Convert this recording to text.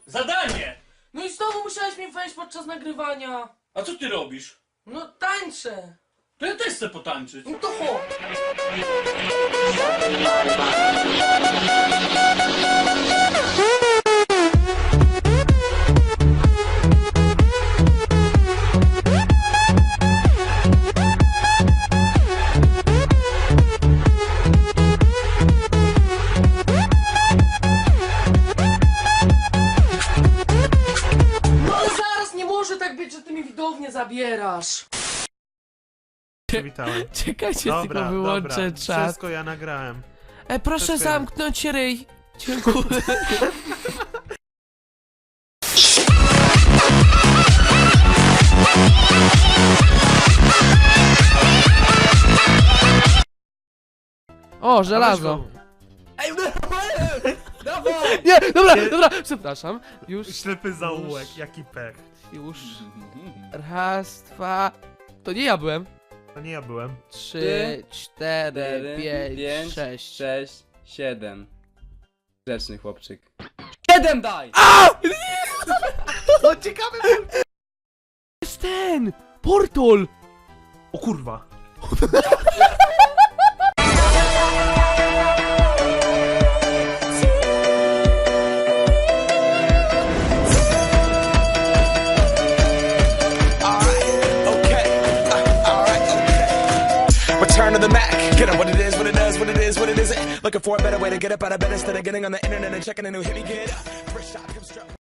Zadanie! No i znowu musiałeś mi wejść podczas nagrywania. A co ty robisz? No tańczę. To ja też chcę potańczyć. No to chodź. No ale zaraz nie może tak być, że ty mi widownię zabierasz. Przywitałem. Czekajcie, Dobra, tylko wyłączę dobra, czat. wszystko ja nagrałem. Proszę wszystko ja- zamknąć ryj. Dziękuję. O, żelazo. Nie, dobra, dobra, przepraszam. Już, Ślepy zaułek, jaki pech. już. Raz, dwa. To nie ja byłem. To nie ja byłem. 3, 4, 5, 5, 6. 6, 7. Grzeczny chłopczyk. 7 daj! O, ciekawy! Jest ten! Portal! O kurwa. Return to the Mac. Get up what it is, what it does, what it is, what it isn't. Looking for a better way to get up out of bed instead of getting on the internet and checking a new hit. Me get up. First shot, come strut.